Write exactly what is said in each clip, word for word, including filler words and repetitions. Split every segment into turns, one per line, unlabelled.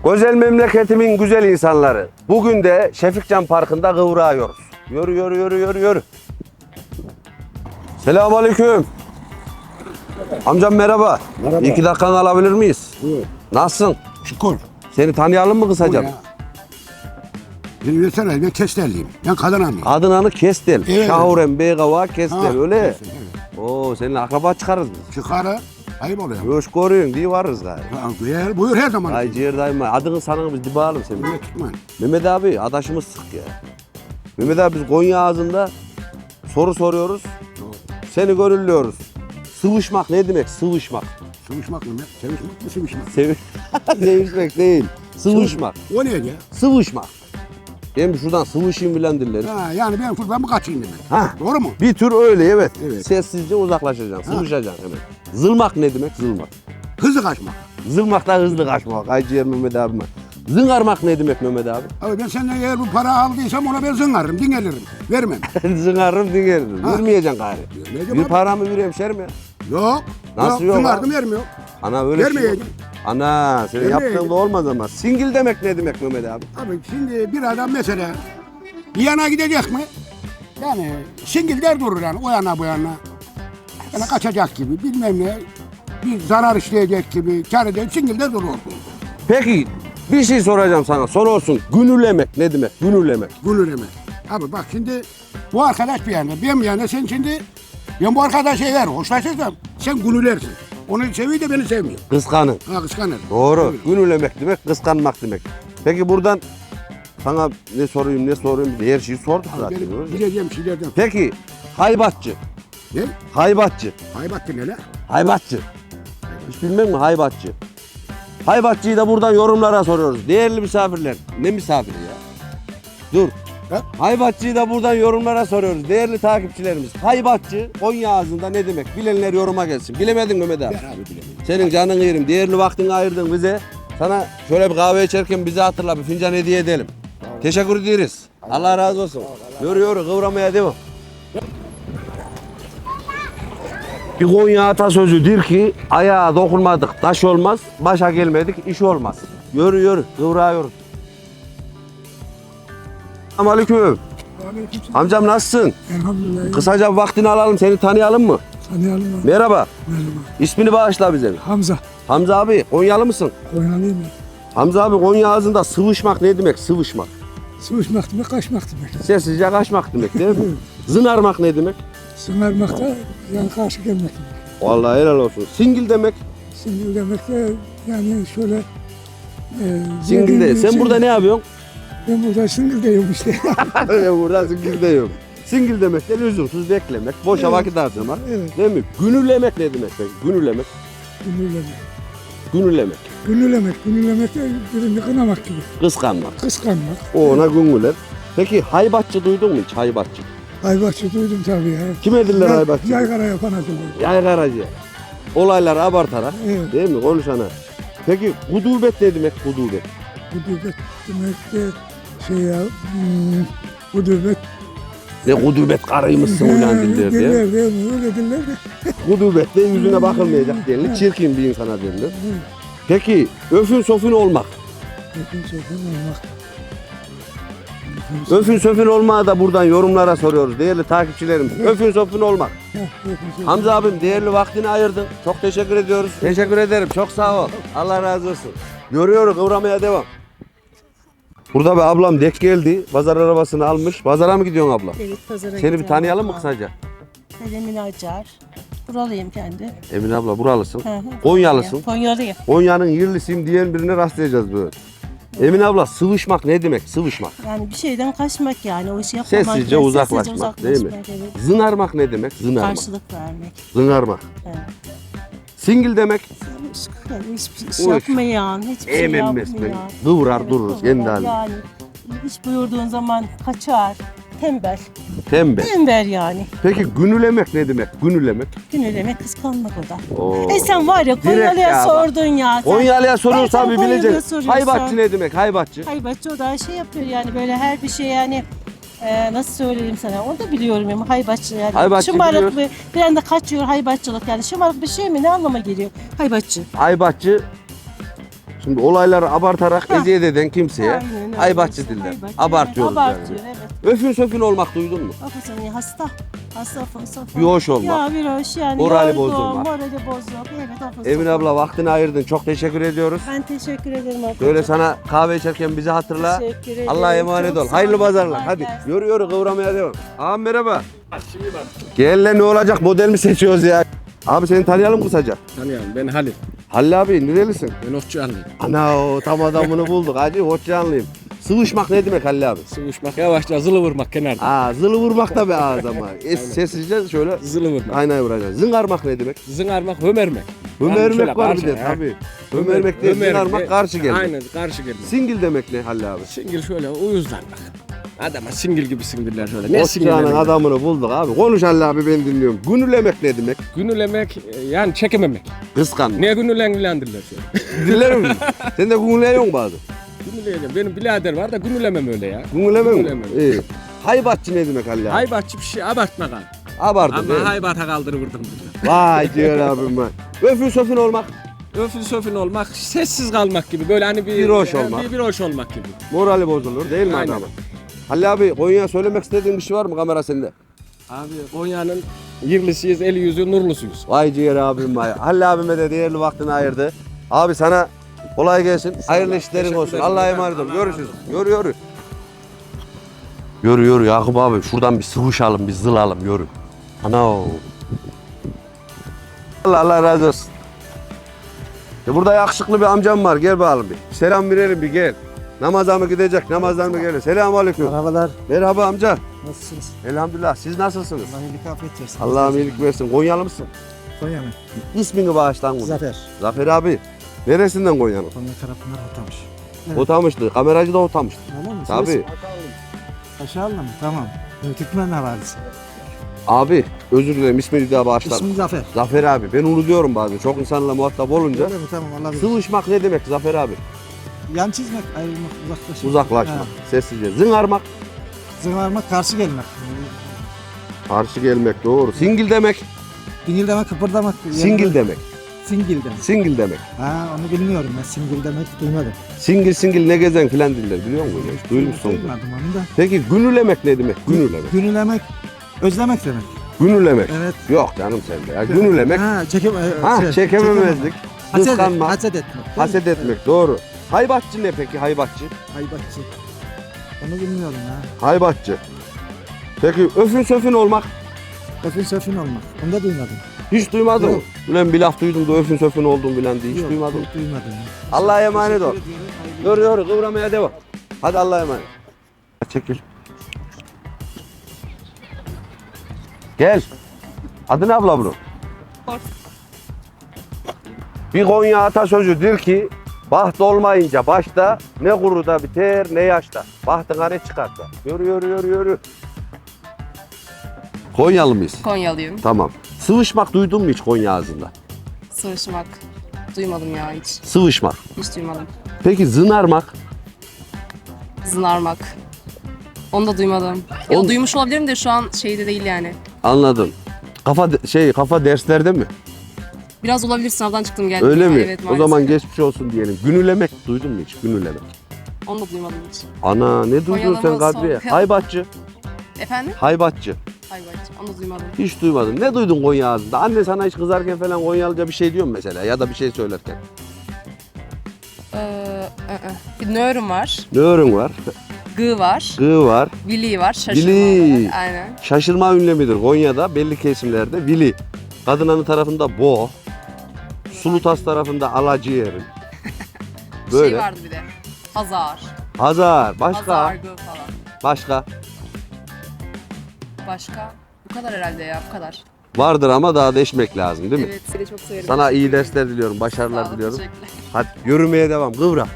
Özel memleketimin güzel insanları. Bugün de Şefikcan Parkı'nda kıvrağıyoruz. Yürü yürü yürü yürü yürü. Selamünaleyküm. Amcam merhaba.
Merhaba.
İki dakikanı alabilir miyiz?
Buyur.
Nasılsın?
Şükür.
Seni tanıyalım mı kısacam?
Beni versene, ben Kestel'liyim. Ben Kadanalıyım.
Adınanı Kestel.
Evet.
Şahuren Beygava Kestel
Ha,
öyle.
Kestel, evet.
Oo seninle akraba çıkarız biz.
Çıkarı, ayıp oluyor.
Hoş görüyorsun diye varız gari.
Ha, Buyur, buyur her zaman.
Ay ciğer dayıma. Adını sanını biz dibalım senin.
Buyur tutma.
Mehmet abi adaşımız sık ya. Mehmet abi biz Konya ağzında soru soruyoruz. Seni gönüllüyoruz. Sıvışmak ne demek? Sıvışmak.
Sıvışmak mı? Sevişmek mi sıvışmak?
Sev Sevişmek değil. Sıvışmak.
O ne ya?
Sıvışmak. Ben bir şuradan sıvışayım bilen dillerim.
Ha, yani ben fırdan mı kaçayım demek.
Ha.
Doğru mu?
Bir tür öyle evet.
Evet.
Sessizce uzaklaşacaksın, sıvışacaksın hemen. Zılmak ne demek? Zılmak.
Hızlı kaçmak.
Zılmak da hızlı kaçmak. Ay ciğer Mehmet abime. Zıngarmak ne demek Mehmet abi?
Abi ben senden eğer bu para aldıysam ona ben zıngarım, dinlenirim. Vermem.
Zıngarım dinlerim.
Ha.
Vermeyeceksin gari.
Vermeyeceğim
Bir
abi.
paramı bir hemşerim ya.
Yok.
Nasıl yok
Zıngardım
abi?
vermiyor.
Ana öyle şey yok.
Vermeyeceğim.
Ana senin
Vermeyeceğim.
yaptığın da olmaz ama. Singil demek ne demek Mehmet abi?
Abi şimdi bir adam mesela bir yana gidecek mi? Yani singilder durur yani o yana bu yana. Yani kaçacak gibi bilmem ne. Bir zarar işleyecek gibi kar edecek singilder durur.
Peki bir şey soracağım sana. Soru olsun. Günülemek ne demek? Günülemek.
Gülüreme. Abi bak şimdi bu arkadaş bir yana ben bir yana sen şimdi ben bu arkadaşa eğer hoşlaşırsam sen gülülersin. Onu seviyor da beni sevmiyor.
Kıskanın.
Ha kıskanır.
Doğru.
Öyle.
Günülemek demek kıskanmak demek. Peki buradan sana ne sorayım ne sorayım her şeyi sorduk zaten.
Benim bileceğim şeylerden.
Peki haybatçı.
Ne?
Haybatçı.
Haybattı ne la?
Haybatçı. Hiç bilmem mi haybatçı? Haybatçıyı da buradan yorumlara soruyoruz. Değerli misafirler. Ne misafiri ya? Dur.
Ha?
Haybatçıyı da buradan yorumlara soruyoruz. Değerli takipçilerimiz. Haybatçı Konya ağzında ne demek? Bilenler yoruma gelsin. Bilemedin Mehmet abi.
Ben abi bilemiyorum.
Senin canın yerim. Değerli vaktini ayırdın bize. Sana şöyle bir kahve içerken bizi hatırla. Bir fincan hediye edelim. Teşekkür ederiz. Allah razı olsun. Yürü yürü kıvramaya devam. Bir Konya atasözüdür ki ayağa dokunmadık taş olmaz, başa gelmedik iş olmaz. Yürü yürü kıvrağıyoruz. Selamünaleyküm. Amcam nasılsın?
Elhamdülillah.
Kısaca vaktini alalım seni tanıyalım mı?
Tanıyalım mı?
Merhaba.
Merhaba.
İsmini bağışla bize. bir.
Hamza.
Hamza abi Konyalı mısın?
Konyalıyım ben.
Hamza abi Konya ağzında sıvışmak ne demek sıvışmak?
Sıvışmak demek, kaçmak demek.
Sessizce kaçmak demek değil mi? Zınarmak ne demek?
Sınarmak da yani karşı gelmek demek.
Vallahi helal olsun. Singil demek.
Singil demek de yani şöyle... E,
Singil de.
zengin-
Sen
şey-
burada ne yapıyorsun?
Ben burada singil deyim işte.
Ben burada singil de yok. Singil demek de lüzumsuz beklemek, boşa
Evet.
vakit harcamak.
Evet.
Değil mi? Günülemek ne demek peki? Günülemek.
Günülemek.
Günülemek.
Günülemek. Günülemek de birini kınamak gibi.
Kıskanmak.
Kıskanmak.
O ona günüler. Peki haybatçı duydun mu hiç haybatçı?
Aybaşçı duydum tabii ya.
Kim ediller
Yay-
haybatçı?
Yaygara yapan adamlar.
Yaygaracı. Olayları abartarak
Evet.
değil mi konuşana? Peki hudubet ne demek hudubet?
Hudubet demek de şey ya... Hmm, hudubet.
Ne hudubet karıymışsın ulan diller diye.
Diller değil mi? Öyle diller de.
Hudubet de yüzüne bakılmayacak denilir. Çirkin bir insana denilir. Peki öfün sofun olmak.
Öpün sofun olmak.
Öfün söfün olmağı da buradan yorumlara soruyoruz değerli takipçilerimiz. Öfün söfün olmak.
Heh, öpün sofun.
Hamza abim değerli vaktini ayırdın. Çok teşekkür ediyoruz. Teşekkür ederim. Çok sağ ol. Allah razı olsun. Görüyoruz kıvramaya devam. Burada bir ablam dek geldi. Pazar arabasını almış. Pazara mı gidiyorsun abla?
Evet, pazara
Seni bir
gidiyorum.
tanıyalım mı kısaca?
Ben Emine Acar. Buralıyım kendi.
Emine abla buralısın.
Hı hı.
Konyalısın.
Konyalıyım.
Konya'nın yerlisiyim diyen birine rastlayacağız böyle. Emine abla sıvışmak ne demek? Sıvışmak.
Yani bir şeyden kaçmak yani. O işi yapmamak.
Sessizce
yani,
uzaklaşmak, değil mi?
Evet.
Zınarmak ne demek? Zınarmak.
Karşılık vermek.
Zınarmak.
Evet.
Singil demek.
Yani hiçbir şey
Uy.
yapmayan, hiçbir şey
Emin
yapmayan.
mesmen. Kıvrar
Evet,
dururuz
kıvrar.
kendi halinde.
Yani hiç buyurduğun zaman kaçar. Tembel.
Tembel.
Tembel yani.
Peki günülemek ne demek? Günülemek.
Günülemek kıskanmak o da.
Oo.
E sen var ya
Direkt ya
Konyalı'ya
bak.
sordun ya. Sen-
Konyalı'ya soruyorsan
Sen
bir
Konyalı'ya
bileceksin.
soruyorsun.
Haybatçı ne demek? Haybatçı.
Haybatçı o da şey yapıyor yani böyle her bir şey yani e, nasıl söyleyeyim sana onu da biliyorum yani haybatçı yani.
Haybatçı
şımarık
biliyoruz.
bir, bir anda kaçıyor haybatçılık yani şımarık bir şey mi ne anlama geliyor haybatçı.
Haybatçı Şimdi olayları abartarak eziyet eden kimseye
Aynen öyle.
haybatçı diller.
Haybatçı,
Abartıyoruz
evet,
yani.
abartıyor, evet.
Öfün söfün olmak duydun mu?
Hafızın ya hasta. Hasta hasta.
Bir hoş olmak.
Ya bir hoş yani.
Morali
yorgun,
bozulmak.
Morali bozuk. Evet hafız.
Emin abla vaktini ayırdın. Çok teşekkür ediyoruz.
Ben teşekkür ederim arkadaşlar.
Böyle sana kahve içerken bizi hatırla.
Teşekkür ederim.
Allah'a emanet
Çok
ol.
sağ
Hayırlı
olun.
pazarlar.
Kolay
Hadi
gelsin.
yürü yürü kıvramaya devam. Ağam merhaba. Gel lan ne olacak model mi seçiyoruz ya? Abi seni tanıyalım kısaca.
Tanıyorum, ben Halil.
Halil abi nerelisin?
Ben Okçuanlıyım.
Ana o tam adamını bulduk. Hadi hoşçakalın. Sıvışmak ne demek Halil abi?
Sıvışmak, yavaşça zılı vurmak kenarda.
Aa zılı vurmak da be ağız ama. Es, sessizce şöyle
Zılı vurmak.
aynaya vuracaksın. Zıngarmak ne demek?
Zıngarmak, hömermek. Yani şöyle
Hömermek var bir
karşı,
de
ha.
tabii. Hömermek değil
Hömer-
zıngarmak karşı gelmek.
Aynen, karşı gelmek.
Singil demek ne Halil abi?
Singil şöyle uyuzlanmak. Adama singil gibi singiller şöyle. Ne
Osçağının
singillemek?
adamını bulduk abi. Konuş Halil abi ben dinliyorum. Günülemek ne demek?
Günülemek, e, yani çekememek.
Kıskanmak.
Niye günülendiler şöyle?
Dinler misin? Sen de günüleyorsun bazı.
Günüleyeceğim. Benim birader var da günülemem öyle ya.
Günüleme mi?
Günülemem.
İyi. Haybatçı ne demek Halil abi?
Haybatçı bir şey abartma kan.
Abartı değil mi?
Ama haybata kaldırıvırdım.
Vay diyor abim vay. Öfün söfün olmak.
Öfün söfün olmak, sessiz kalmak gibi. Böyle hani bir...
Bir hoş
e,
olmak.
Bir, bir hoş olmak gibi.
Morali bozulur değil mi
Aynen.
adamın? Halil abi Konya'ya söylemek istediğin bir şey var mı kamera sende?
Abi Konya'nın yerlisiyiz, eli yüzü nurlusuyuz.
Vay ciğer abim vay. Halil abime de değerli vaktini ayırdı. Abi sana kolay gelsin. Hayırlı işlerin
Teşekkür
olsun.
ederim.
Allah'a emanet ol.
Allah
Görüşürüz.
razı olsun.
Yürü yürü. Yürü yürü Yakup abi. Şuradan bir sıvışalım, bir zılalım. Yürü. Ana o. Allah Allah razı olsun. E burada yakışıklı bir amcam var. Gel bakalım bir. Selam verelim bir gel. Namaza mı gidecek? Namazdan mı gelir? Selamun aleyküm.
Merhabalar,
Merhaba amca.
nasılsınız?
Elhamdülillah. Siz nasılsınız?
Allah iyilik afiyet versin.
Allah'ım iyilik versin. Konyalı mısın?
Konya mı?
İsmini bağışlan bunu.
Zafer.
Zafer abi. Neresinden Konya'nın?
Konya tarafından atamış. Evet.
Otamıştı. Kameracı da otamıştı.
Öyle mi?
Tabii.
Aşağılı mı? Tamam. Türkmen havalisi.
Abi özür dilerim ismini bir daha bağışlar.
İsmim Zafer.
Zafer abi. Ben unutuyorum bazen. Çok insanla muhatap olunca.
Öyle mi? Tamam, Allah bilir.
Sıvışmak ne demek Zafer abi?
Yan çizmek, ayrılmak, uzaklaşmak.
Uzaklaşmak.
Ha.
Sessizce. Zıngarmak.
Zıvarmak, karşı gelmek.
Karşı gelmek doğru. Singil demek.
Dingil demek, kıpırdamak.
Singil demek.
Singil demek.
Singil demek.
Ha, onu bilmiyorum ben. Singil demek duymadım.
Singil singil ne gezen filan diller biliyor musun? Hiç duymuşsun.
Duymadım onu da.
Peki günülemek ne demek? Günülemek.
Günülemek, özlemek demek.
Günülemek.
Evet.
Yok canım sende ya. Günülemek.
Ha, çekem
Ha
şey,
çekememezlik.
Haset,
Kıskanmak.
haset etmek.
Haset etmek doğru. Haybatçı ne peki haybatçı?
Haybatçı. Onu bilmiyorum ha.
Haybatçı. Peki öfün söfün olmak
Öfün söfün olmak. Onu da duymadım.
hiç duymadın mı?
Yok.
Ulan bir laf duydum da öfün söfün oldum bilen diye hiç
Yok,
duymadım.
yok, duymadım. ya.
Allah'a emanet ol.
Teşekkür ediyorum, hayırlı
Doğru doğru kıvramaya devam. Hadi Allah'a emanet. Çekil. Gel. Adı ne abla bunun? Bir Konya atasözüdür ki baht olmayınca başta ne kuruda biter ne yaşta. Bahtına ne çıkarsa. Yürü yürü yürü yürü. Konyalı mıyız?
Konyalıyım.
Tamam. Sıvışmak duydun mu hiç Konya ağzında?
Sıvışmak. Duymadım ya hiç.
Sıvışmak.
Hiç duymadım.
Peki zınarmak?
Zınarmak. Onu da duymadım. Ya
Onu-
duymuş olabilirim de şu an şeyde değil yani.
Anladım. Kafa de- şey kafa derslerde mi?
Biraz olabilir, sınavdan çıktım geldim.
Öyle
ya.
mi?
Evet,
O
maalesef.
zaman geçmiş olsun diyelim. Günülemek duydun mu hiç? Günülemek.
Onu da duymadım hiç.
Ana ne duydun
Konyalı
sen
mı,
Kadriye?
Son-
Haybatçı.
Efendim?
Haybatçı.
Hayır hayır. Onu da duymadım.
Hiç duymadım. Ne duydun Konya ağzında? Anne sana hiç kızarken falan Konyalıca bir şey diyor mu mesela? Ya da bir şey söylerken.
Ee, ı, ı. Bir nörum var.
Ne öğren var?
Gı var.
Gı var.
Vili var. Şaşırma
Vili.
olarak. Aynen.
Şaşırma ünlemidir Konya'da belli kesimlerde. Vili. Kadınanı tarafında bo. Sulutas tarafında alacıyerim. Böyle.
Şey vardı bir de. Hazar.
Hazar. Başka.
Hazar gı falan.
Başka.
Başka? Bu kadar herhalde ya. Bu kadar.
Vardır ama daha değişmek lazım değil mi?
Evet. Seni çok severim.
Sana iyi dersler diliyorum. Başarılar
Sağ ol,
diliyorum.
teşekkürler.
Hadi yürümeye devam. Kıvra.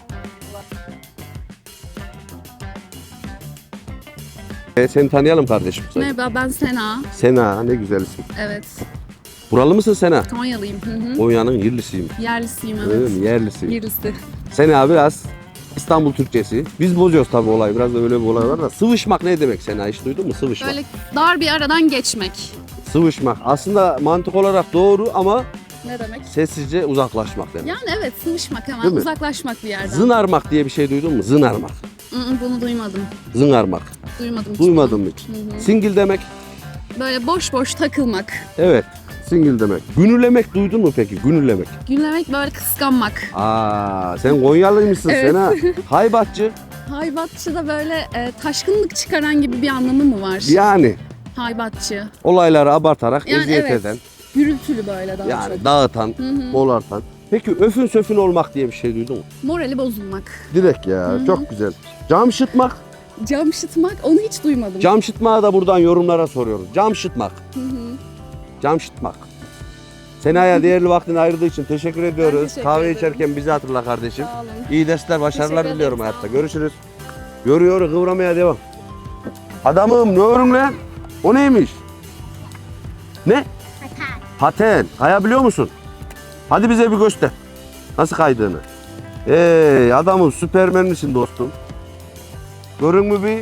E, seni tanıyalım kardeşim.
Merhaba, ben Sena.
Sena ne güzel isim.
Evet,
Buralı mısın Sena?
Konyalıyım. Hı hı.
Konya'nın yerlisiyim.
Yerlisiyim,
Öyle
evet.
mi? Yerlisiyim.
Yerlisi.
Sena biraz İstanbul Türkçesi. Biz bozuyoruz tabii olayı. Biraz da öyle bir olay var da. Sıvışmak ne demek Sena? Hiç duydun mu? Sıvışmak.
Böyle dar bir aradan geçmek.
Sıvışmak. Aslında mantık olarak doğru ama
Ne demek?
Sessizce uzaklaşmak demek.
Yani evet sıvışmak hemen
Değil mi?
uzaklaşmak bir yerden.
Zınarmak diye bir şey duydun mu? Zınarmak.
Hı hı, bunu duymadım.
Zınarmak.
Duymadım. hiç.
Duymadın mı hiç?
Hı hı.
Singil demek.
Böyle boş boş takılmak.
Evet. Singil demek. Günülemek duydun mu peki? Günülemek.
Güllemek böyle kıskanmak.
Aa, sen Konyalıymışsın
Evet.
sen ha. Haybatçı.
Haybatçı da böyle e, taşkınlık çıkaran gibi bir anlamı mı var?
Yani
Haybatçı.
olayları abartarak
Yani
eziyet
evet.
eden,
Gürültülü böyle daha
yani
çok.
dağıtan,
Hı hı.
bolartan. Peki öfün söfün olmak diye bir şey duydun mu?
Morali bozulmak.
Direkt ya,
Hı hı.
çok güzel. Cam şıtmak.
Cam şıtmak onu hiç duymadım.
Cam şıtmağı da buradan yorumlara soruyoruz. Cam şıtmak.
Hı hı.
Cam şıtmak. Sena'ya değerli vaktini ayırdığı için teşekkür ediyoruz.
teşekkür
Kahve
ederim.
içerken bizi hatırla kardeşim.
Sağ olun.
İyi dersler, başarılar
Teşekkür
diliyorum
ederim,
hayatta.
sağ olun.
Görüşürüz. Görüyoruz, kıvramaya devam. Adamım ne örüm lan? O neymiş? Ne? Paten. Paten. Kayabiliyor musun? Hadi bize bir göster. Nasıl kaydığını. Ey adamım süpermen misin dostum? Görün mü bir?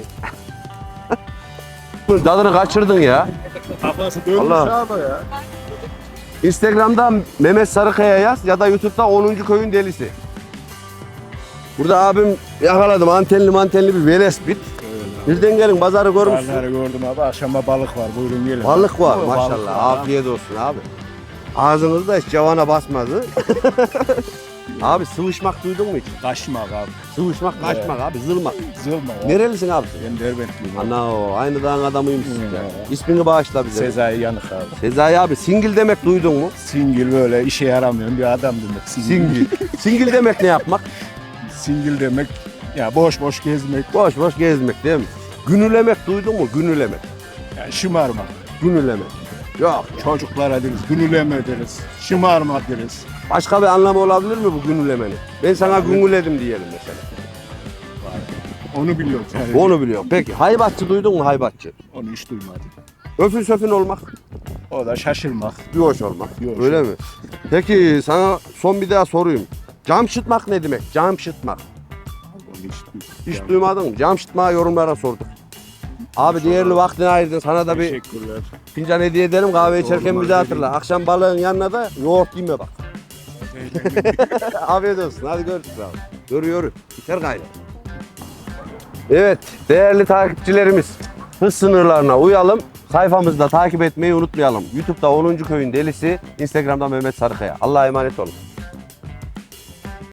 Tadını kaçırdın ya. Allah. Instagram'da Mehmet Sarıkaya yaz ya da YouTube'da onuncu köyün delisi. Burada abim yakaladım antenli mantenli bir velespit. Birden gelin pazarı görmüşsün.
Pazarı gördüm abi. Akşama balık var. Buyurun gelin.
Balık var
Balık
maşallah.
var.
Afiyet olsun abi. Ağzınızda hiç cavana basmadı. Abi sıvışmak duydun mu hiç?
Kaçmak abi.
Sıvışmak, kaçmak abi, zılmak.
Zılma abi.
Nerelisin abi sen?
Ben Derbentliyim abi.
Ana o, aynı dağın adamıymışsın
Hı.
ya. İsmini bağışla bize.
Sezai Yanık abi.
Sezai abi, singil demek duydun mu?
Singil böyle işe yaramayan bir adam demek.
Singil. Singil demek ne yapmak?
Singil demek ya boş boş gezmek.
Boş boş gezmek değil mi? Günülemek duydun mu? Günülemek.
Yani şımarmak.
Günülemek. Yok.
Çocuklara deriz. Günüleme deriz. Şımarma deriz.
Başka bir anlamı olabilir mi bu günülemenin? Ben sana günüledim diyelim mesela.
Onu biliyoruz. Yani.
Onu biliyorum. Peki haybatçı duydun mu haybatçı?
Onu hiç duymadım.
Öfün söfün olmak,
O da şaşırmak.
bir hoş olmak.
Bir hoş
Öyle mi? Peki sana son bir daha sorayım. Cam şıtmak ne demek? Cam şıtmak.
Onu hiç duymadım.
Hiç duymadın mı? Cam şıtmağı yorumlara sorduk. Abi değerli vaktini ayırdın. Sana da bir
Teşekkürler.
fincan hediye edelim. Kahve içerken
Doğru,
bizi hatırla. Akşam balığın yanına da yoğurt yeme bak. Afiyet olsun. Hadi görüşürüz abi. Yürü yürü. Biter gayrı. Evet değerli takipçilerimiz. Hız sınırlarına uyalım. Sayfamızda takip etmeyi unutmayalım. YouTube'da onuncu köyün delisi. Instagram'da Mehmet Sarıkaya. Allah'a emanet olun.